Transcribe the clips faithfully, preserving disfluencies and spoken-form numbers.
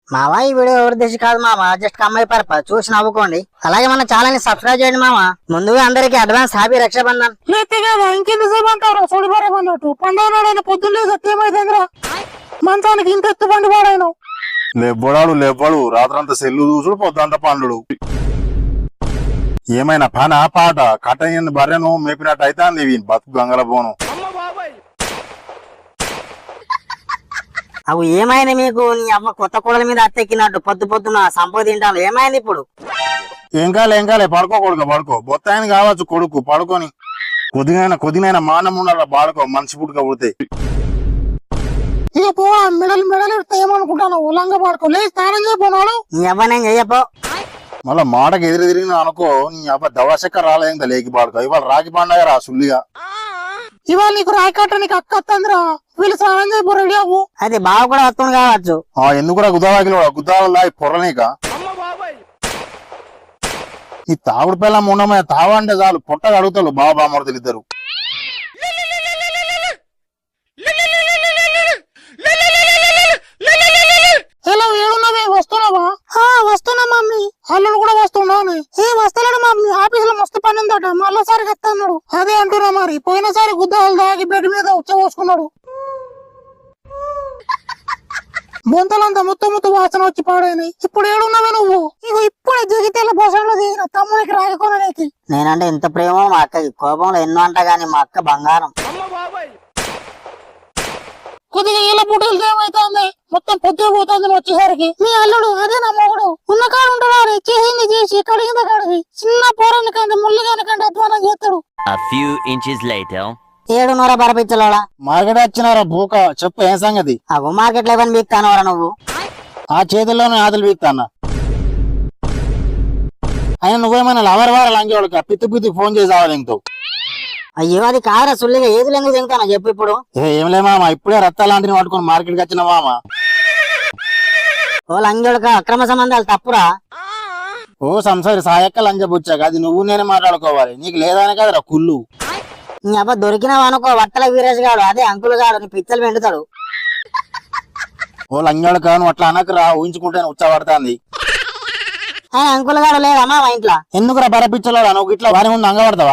మావా ఈ వీడియో ఎవరి దేశం కాదు మామ, జస్ట్ కమ్మాయి పర్పస్ చూసి నవ్వుకోండి. అలాగే మన ఛానల్ ని సబ్స్క్రైబ్ చేయండి మామ. ముందుగా అందరికి అడ్వాన్స్ హ్యాపీ రక్షాబంధన్. లేతే కదా ఇంకెంతసేపు అంటారా చూడిపారేమన్నట్టు పండుగ నాడైనా పొద్దున్న సత్యమైందిరా మంచానికి ఇంత ఎత్తు పండు పాడాను. లెవ్వడాడు లెవ్వడు రాత్రంతా సెల్లు చూసుడు పొద్దంతా పండుడు. ఏమైనా పన పాట కట్టని బర్రెను మేపినట్టు అయితే అంది బతుకు గంగల పోను. అవు ఏమైంది మీకు? నీ అవ్వ కొత్త కూడల మీద అత్తెక్కినట్టు పొద్దు పొద్దున సంపద తింటాను. ఏమైంది ఇప్పుడు? ఏం కాలే ఏం కాలే పడుకో కొడుకు పడుకో. బొత్తాయని కావచ్చు కొడుకు పడుకొని కొద్దిగైనా కొద్దిగైనా మానం ఉండాల బాడుకో మనిషి పుట్టుక పుడితే. ఇక పో మెడలు మెడలు ఏమనుకుంటాను ఉలంగా పడుకో లే స్నానం చేయపోనాడు. నీ అవ్వ నేను చెయ్యపో. మళ్ళా మాటకి ఎదురు తిరిగిన అనుకో నీ అబ్బ దవశక్క రాలేదా లేకి పాడుకో. ఇవాళ రాకి పండగ రా సుల్లిగా. ఇవాళ నీకు రాయకట్ట నీకు అక్క వస్తుందిరా వీళ్ళు స్నానం చేయబో రెడీ అవ్వు. అది బావ కూడా వస్తుంది కావచ్చు. ఆ ఎందుకురా గుదావాకిలో గుద్దావల్లా పొర్రనీక ఈ తాగుడు పిల్ల ఉండమని తావ అంటే చాలు పొట్టగా అడుగుతారు బాబా బామర్తులు ఇద్దరు. ఎలా ఏడున్నావే వస్తున్నావా? వస్తున్నా మమ్మీ. అల్లుడు కూడా వస్తున్నావు. ఏ వస్తలేడు మమ్మీ, ఆఫీస్ లో మస్తు పని ఉందట మళ్ళీసారి వస్తున్నాడు. అదే అంటున్నా మరి పోయినసారి గుద్దాలు తాగి బెడ్ మీద ఉచ్చ పోసుకున్నాడు. బొంతలంతా ముత్త ముత్త వాసన వచ్చి పాడైనాయి. ఇప్పుడు ఏడున్నావే నువ్వు? ఇగో ఇప్పుడే జగితేల బోసంలో దిగిన తమ్మునికి రాయకొనడానికి. నేనంటే ఎంత ప్రేమో మా అక్కకి, కోపంలో ఎన్నో అంట గాని మా అక్క బంగారం. కొద్దిగా ఇలా బుట్టలు ఏమైతుంది మొత్తం పొద్దు పోతుంది వచ్చేసరికి. మీ అల్లుడు అదే నా మొగుడు ఉన్న కాడు ఉంటాడు. చేసింది చేసి కడిగింది కడిగి చిన్న పోరాని కంటే ముళ్ళుగాని కంటే అధ్వానం చేస్తాడు. A few inches later. ఏడున్నర బరపించలోడా మార్కెట్ వచ్చినారా బూక చెప్పు ఏం సంగతి? అగో మార్కెట్ లో ఏమని బీక్తానవరా నువ్వు? ఆ చేతుల్లోనే ఆతులు బీక్తానా. ఆయన నువ్వేమైనా లవర్ వారాలు అంగేవాళ్ళకి పిత్తి పిత్తి ఫోన్ చేసి రావాలి ఇంకో. అయ్యో అది కాదురా సుల్లిగా ఏది ఎందుకు తింటానో చెప్పు ఇప్పుడు. ఏం లే మామ ఇప్పుడే రత్తాలాంటిని పట్టుకుని మార్కెట్కి వచ్చిన మామ. ఓ లంగోడుక అక్రమ సంబంధాలు తప్పురా. ఓ సంసారి సాయక్క లంజ బుచ్చాక అది నువ్వు నేనే మాట్లాడుకోవాలి. నీకు లేదానే కదరా కుళ్ళు. నీ అబ్బా దొరికినావు అనుకో వట్టల వీరేష్ గాడు అదే అంకుల్ గాడు నీ పిచ్చలు వెండుతాడు. ఓ లంజోడక నువ్వు అట్లా అనకు రా ఊహించుకుంటే ఉచ్చబడుతుంది. ఆయన అంకుల్ గాడు లేడమ్మా మా ఇంట్లో. ఎందుకురా బరపిచ్చలో నువ్వు ఇట్లా వారి ముందు అంగబడతావా?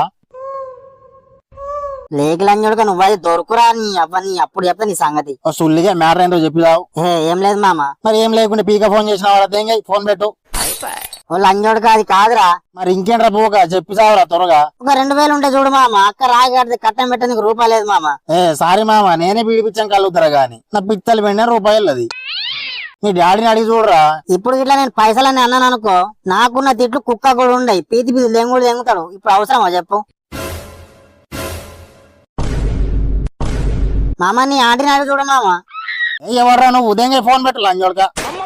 లేకి లంజోడుక నువ్వు అది దొరుకురా. నీ అవ్వ నీ అప్పుడు చెప్తా నీ సంగతి. ఓ సుల్లిగా మ్యాటర్ ఏంటో చెప్పిదావు. ఏ ఏం లేదు మామ. మరి ఏం లేకుండా పీక ఫోన్ చేసిన వాళ్ళ ఫోన్ పెట్టు. ఓ లంజోడుక అది కాదురా. మరి ఇంకేంట్రా పోక చెప్పి చావురా త్వరగా. ఒక రెండు వేలు ఉంటే చూడు మామ, అక్క రాయి కడితే కట్టం పెట్టడానికి రూపాయి లేదు మామ. ఏ సారీ మామ నేనే పీడిపించాం కలుగుతారా గాని నా పిత్తలు వెంటనే రూపాయలు అది. నీ డాడీని అడిగి చూడరా. ఇప్పుడు ఇట్లా నేను పైసలని అన్నాను అనుకో నాకున్న తిట్లు కుక్క కూడా ఉండయి పీతి పీతి దెంగుడు దెంగుతాడు. ఇప్పుడు అవసరమా చెప్పు మామ? నీ ఆంటీని అడిగి చూడు మామ. ఎవర్రా నువ్వు ఉదయంగా ఫోన్ పెట్టు లంజోడక.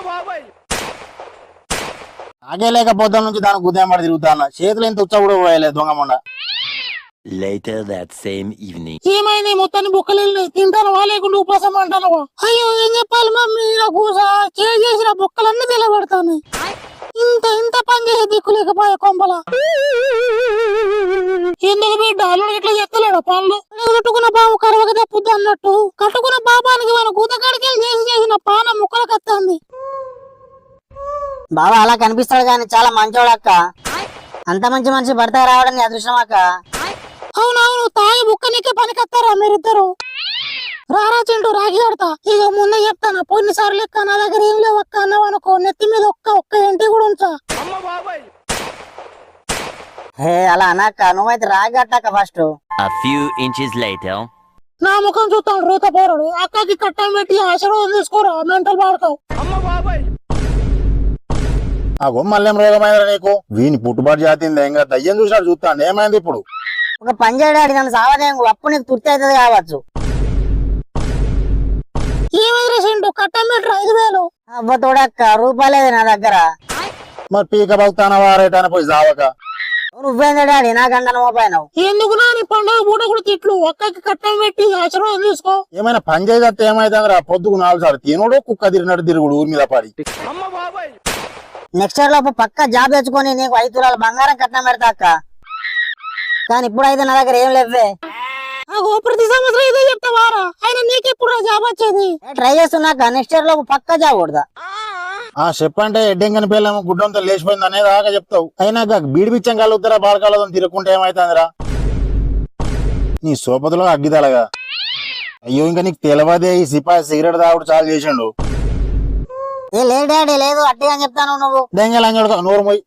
ఆగే లేకపోతే నుంచి దానికి ఉదయం పడి తిరుగుతాను. చేతులు ఎంత ఉచ్చ కూడా పోయలేదు దొంగమండ. Later that same evening. ఏమైంది మొత్తాన్ని బుక్కలు తింటానవా లేకుండా ఉపాసం అంటానవా? అయ్యో ఏం చెప్పాలి మమ్మీ నాకు చేసిన బుక్కలన్నీ తెలబడతాను. ఇంత ఇంత పని చేసే దిక్కు లేకపోయా కొంపల. ఎందుకు బిడ్డ అల్లుడు ఇట్లా చెత్తలేడా పనులు? కట్టుకున్న బాబు కరవక తప్పుద్ది అన్నట్టు కట్టుకున్న బాబానికి మన కూతకాడికి చేసి చేసిన పాన ముక్కలకు వస్తుంది. బాబా అలా కనిపిస్తాడు కానీ చాలా మంచోడు అక్క. అంత మంచి మనిషి భర్త రావడం నీ అదృష్టం అక్క. అవునవును తాగి బుక్కనికే పనికొస్తారా మీరిద్దరు? రారా చింటూ రాగి కడతా. ఇక ముందే చెప్తాను పోయినసారి లెక్క నా దగ్గర ఏం లేవు అక్క అన్నావు అనుకో నెత్తి మీద ఒక్క ఒక్క ఇంటి కూడా ఉంచా. హే అలా అనక్క, నువ్వైతే రాగి కట్టక్క first. A few inches later. నా ముఖం చూస్తాను రూత పోరాడు. అక్కకి కట్టం పెట్టి ఆశీర్వాదం తీసుకోరా మెంటల్ పాడతావు. ఆ గొమ్మల్లేం రోగమైందిరా నీకు? వీని పుట్టుబాటు జాతింది ఇంకా దయ్యం చూసాడు చూస్తాను. ఏమైంది ఇప్పుడు? ఒక పని చేయడానికి నన్ను సావదేంగు అప్పుడు నీకు తుర్తి అవుతుంది కావచ్చు. ఏమైంది చింటూ కట్టం పెట్టరు ఐదు వేలు. అవ్వ తోడక్క రూపాయలేదు నా దగ్గర. మరి పీక బతుకుతానా వారేటాన పోయి జావక. నువ్వేంది డాడీ నాకంటే మోపాయినావు? ఎందుకు నా నీ పండుగ పూట కూడా తిట్లు ఒక్కకి కట్టం పెట్టి ఆశీర్వాదం తీసుకో. ఏమైనా పని చేయతే ఏమైతుందిరా? పొద్దుకు నాలుగు సార్లు తినుడు కుక్క తిరిగినట్టు తిరుగుడు ఊరి మీద పడి. నెక్స్ట్ ఇయర్ లోపు పక్క జాబ్ తెచ్చుకొని నీకు ఐదు తులాల బంగారం కట్నం పెడతా అక్క. కానీ ఇప్పుడైతే నా దగ్గర ఏం లేవే. ప్రతి సంవత్సరం ఇదే చెప్తావారా? ఆయన నీకెప్పుడు జాబ్ వచ్చేది? ట్రై చేస్తున్నాక నెక్స్ట్ ఇయర్ లోపు పక్క జాబ్ కొడతా. ఆ చెప్పంటే ఎడ్డెంగని పిల్లము గుడ్డంతో లేచిపోయింది అనేది దాకా చెప్తావు. అయినాక బీడి బిచ్చం కలుగుతారా బాలకాలతో తిరగకుంటే ఏమైతుందిరా నీ సోపతిలో అగ్గిదలగా. అయ్యో ఇంకా నీకు తెలవదే ఈ సిపాయి సిగరెట్ తాగుడు చాలు చేసిండు. ఏ లేదు డాడీ లేదు అట్టిగా చెప్తాను నువ్వు. దెంగలంగడుకో నోరు మొయ్.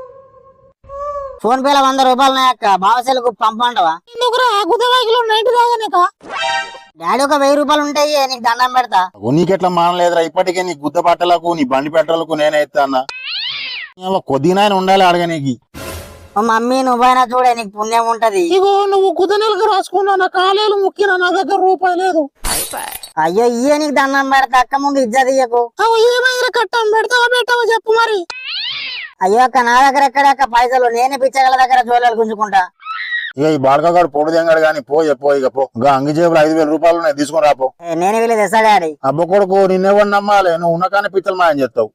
ఫోన్ పేలో వంద రూపాయలు ఉన్నాయక్క బావసెలకు పంపంటవా? ఎందుకురా గుద్దవాకిలో నైట్ దాగానేక డాడీ ఒక వెయ్యి రూపాయలు ఉంటాయి నీకు దండం పెడతా. నీకెట్లా మానలేదురా ఇప్పటికే నీ గుద్ద బట్టలకు నీ బండి పెట్రోలకు నేనే ఇస్తా అన్న. కొద్దిగా ఉండాలి అడగ నీకు. ఓ మమ్మీ నువ్వైనా చూడే నీకు పుణ్యం ఉంటది. ఇగో నువ్వు గుద్ద నెలకు రాసుకున్నా నా కాలేలు ముక్కినా నా దగ్గర రూపాయి లేదు. అయ్యో ఇయ్య నీకు దండం పెడతా అక్క ముందు ఇజ్జత్ ఇయ్యకు. అవు ఏమైనా కట్టం పెడతావా పెట్టావా చెప్పు మరి. అయ్యో అక్క నా దగ్గర ఎక్కడక్క పైసలు నేనే పిచ్చగల దగ్గర జోలాలు గుంజుకుంటా. ఇక ఈ బాడకగాడు పొడు దెంగాడు గాని పో చెప్పో ఇక పో. ఇంకా అంగి జేబులు ఐదు వేల రూపాయలు ఉన్నాయి తీసుకుని రాపో. ఏ, నేనే వెళ్ళి తెస్తా డాడీ. అబ్బ కొడుకు నిన్నెవరు నమ్మాలి నువ్వు ఉన్న కానీ పిచ్చలు మాయం చేస్తావు.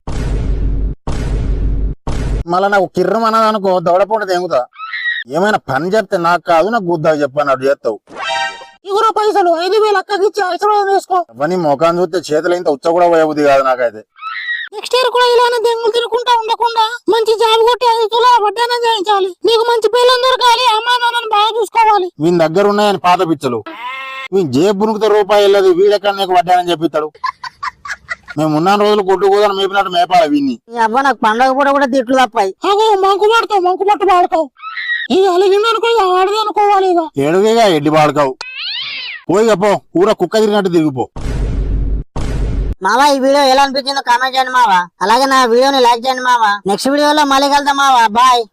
మళ్ళా నాకు కిర్రం అన్నది అనుకో దవడపూట తెంగుతా. ఏమైనా పని చెప్తే నాకు కాదు నాకు గుద్దా చెప్పన్నట్టు చేస్తావు. ఇగురు పైసలు ఐదు వేలు అక్కకి ఇచ్చి ఐశ్వర్యం వేసుకో. అవన్నీ ముఖాన్ని చూస్తే చేతులు ఇంత ఉచ్చ కూడా పోయబుద్ది కాదు నాకైతే. నెక్స్ట్ ఇయర్ కూడా ఇలానే దెంగులు తిరుగుకుంటా ఉండకుండా మంచి జాబ్ కొట్టి ఐదు తులాల వడ్డానం చేయించాలి. నీకు మంచి పిల్లలు దొరకాలి అమ్మా నాన్నని బాగా చూసుకోవాలి. వీని దగ్గర ఉన్నాయని పాత పిచ్చలు వీని జేబు బునుకుతే రూపాయి వెళ్ళదు వీడెక్కడ నీకు వడ్డానని చెప్పిస్తాడు. మేము ఉన్న రోజులు కొట్టు కూడా మేపినట్టు మేపాలి వీన్ని. ఈ అబ్బా నాకు పండగ పూట కూడా తిట్లు తప్పాయి. అగో మంకు పడతావు మంకు పట్టు పాడతావు. ఇక అలిగిందనుకో ఇక ఆడది అనుకోవాలి. ఇక ఏడువేగా ఎడ్డి బాడుకావు పోయిగా పో ఊర కుక్క తిరిగినట్టు తిరిగిపో. మావా ఈ వీడియో ఎలా అనిపించిందో కామెంట్ చేయండి మావా. అలాగే నా వీడియోని లైక్ చేయండి మావా. నెక్స్ట్ వీడియోలో మళ్ళీ కలుద్దాం మావా. బాయ్.